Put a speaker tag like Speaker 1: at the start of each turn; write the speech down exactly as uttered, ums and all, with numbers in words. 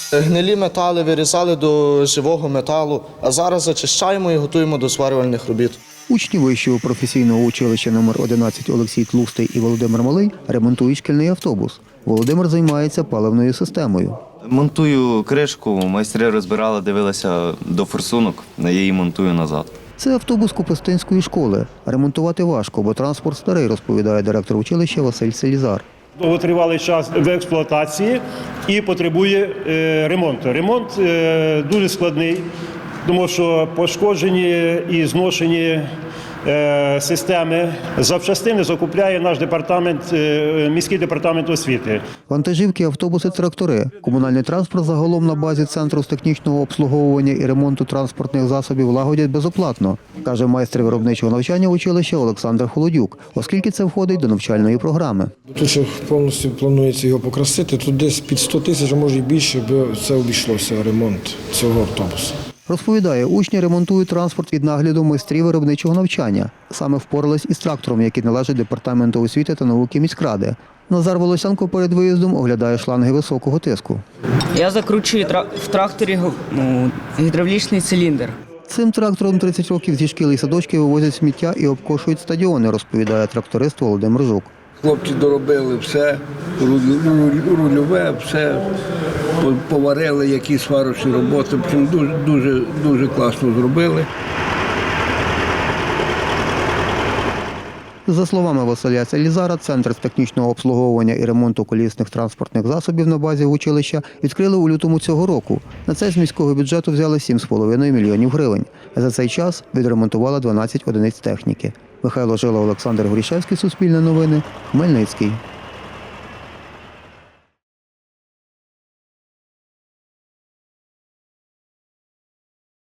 Speaker 1: Гнилі метали вирізали до живого металу, а зараз зачищаємо і готуємо до зварювальних робіт.
Speaker 2: Учні вищого професійного училища номер одинадцять Олексій Тлустий і Володимир Малий ремонтують шкільний автобус. Володимир займається паливною системою.
Speaker 3: Монтую кришку, майстри розбирали, дивилися до форсунок, я її монтую назад.
Speaker 2: Це автобус Копистинської школи. Ремонтувати важко, бо транспорт старий, розповідає директор училища Василь Селізар.
Speaker 4: Довготривалий час в експлуатації і потребує е, ремонту. Ремонт е, дуже складний, тому що пошкоджені і зношені е, системи. Запчастини закупляє наш департамент, е, міський департамент освіти.
Speaker 2: Вантажівки, автобуси, трактори. Комунальний транспорт загалом на базі Центру з технічного обслуговування і ремонту транспортних засобів лагодять безоплатно, каже майстер виробничого навчання училища Олександр Холодюк, оскільки це входить до навчальної програми.
Speaker 5: Тут ще повністю планується його покрасити, тут десь під сто тисяч, а може і більше, бо це обійшлося ремонт цього автобусу.
Speaker 2: Розповідає, учні ремонтують транспорт від нагляду майстрів виробничого навчання. Саме впорались із трактором, який належить департаменту освіти та науки міськради. Назар Волосянко перед виїздом оглядає шланги високого тиску.
Speaker 6: Я закручую в тракторі ну, гідравлічний циліндр.
Speaker 2: Цим трактором тридцять років зі шкіл і садочки вивозять сміття і обкошують стадіони, розповідає тракторист Володимир Жук.
Speaker 7: Хлопці доробили все, рульове, все, поварили, які сварочні роботи, дуже, дуже, дуже класно зробили.
Speaker 2: За словами Василя Селізара, Центр з технічного обслуговування і ремонту колісних транспортних засобів на базі училища відкрили у лютому цього року. На це з міського бюджету взяли сім з половиною мільйонів гривень. За цей час відремонтували дванадцять одиниць техніки. Михайло Жила, Олександр Горішевський, Суспільне новини, Хмельницький.